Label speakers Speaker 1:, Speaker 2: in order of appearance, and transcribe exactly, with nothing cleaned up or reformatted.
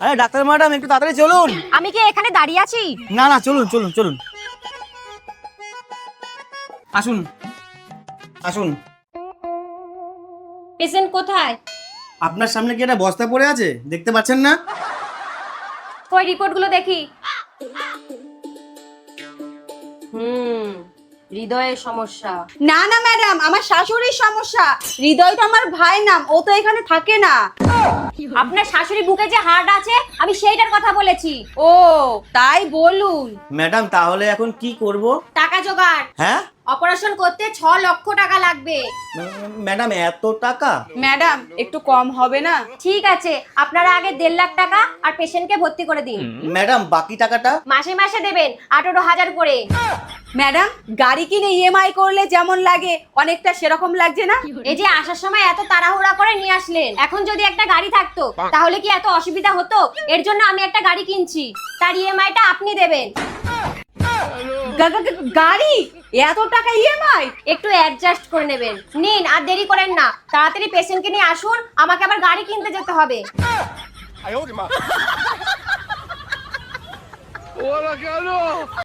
Speaker 1: আরে doctor madam একটু তাড়াতাড়ি চলুন।
Speaker 2: আমি কি এখানে দাঁড়িয়ে আছি?
Speaker 1: না না চলুন চলুন চলুন আসুন আসুন।
Speaker 2: পেশেন্ট কোথায়?
Speaker 1: আপনার সামনে কি একটা বস্তা পড়ে আছে, দেখতে পাচ্ছেন না?
Speaker 2: ওই রিপোর্টগুলো দেখি। হুম, হৃদয়ের সমস্যা।
Speaker 3: না না ম্যাডাম, আমার শাশুড়ির সমস্যা। হৃদয় তো আমার ভাই নাম, ও তো এখানে থাকে না।
Speaker 2: আপনার শাশুড়ি বুকে যে হাড় আছে আমি সেইটার কথা বলেছি।
Speaker 3: ও তাই বলুন।
Speaker 1: ম্যাডাম তাহলে এখন কি করব?
Speaker 2: টাকা জোগাড়।
Speaker 1: হ্যাঁ
Speaker 2: অপারেশন করতে ছ লক্ষ টাকা লাগবে।
Speaker 1: ম্যাডাম এত টাকা?
Speaker 3: ম্যাডাম একটু কম হবে না?
Speaker 2: ঠিক আছে, আপনারা আগে দেড় লাখ টাকা আর পেশেন্টকে ভর্তি করে দিন।
Speaker 1: ম্যাডাম বাকি টাকাটা?
Speaker 2: মাসে মাসে দেবেন আঠারো হাজার করে।
Speaker 3: ম্যাডাম গাড়ি কিনে ইএমআই করলে যেমন লাগে অনেকটা সেরকম লাগছে না?
Speaker 2: এই যে আসার সময় এত তাড়াহুড়া করে নিয়ে আসলেন, এখন যদি একটা গাড়ি থাকতো তাহলে কি এত অসুবিধা হতো? এর জন্য আমি একটা গাড়ি কিনছি, তার ইএমআইটা আপনি দেবেন।
Speaker 3: গা- গা- গা- গাড়ি এত টাকা ইএমআই?
Speaker 2: একটু অ্যাডজাস্ট করে নেবেন। নিন, আর দেরি করেন না, তাড়াতাড়ি পেশেন্টকে নিয়ে আসুন, আমাকে আবার গাড়ি কিনতে যেতে হবে।
Speaker 4: ¡Hola, Carlos!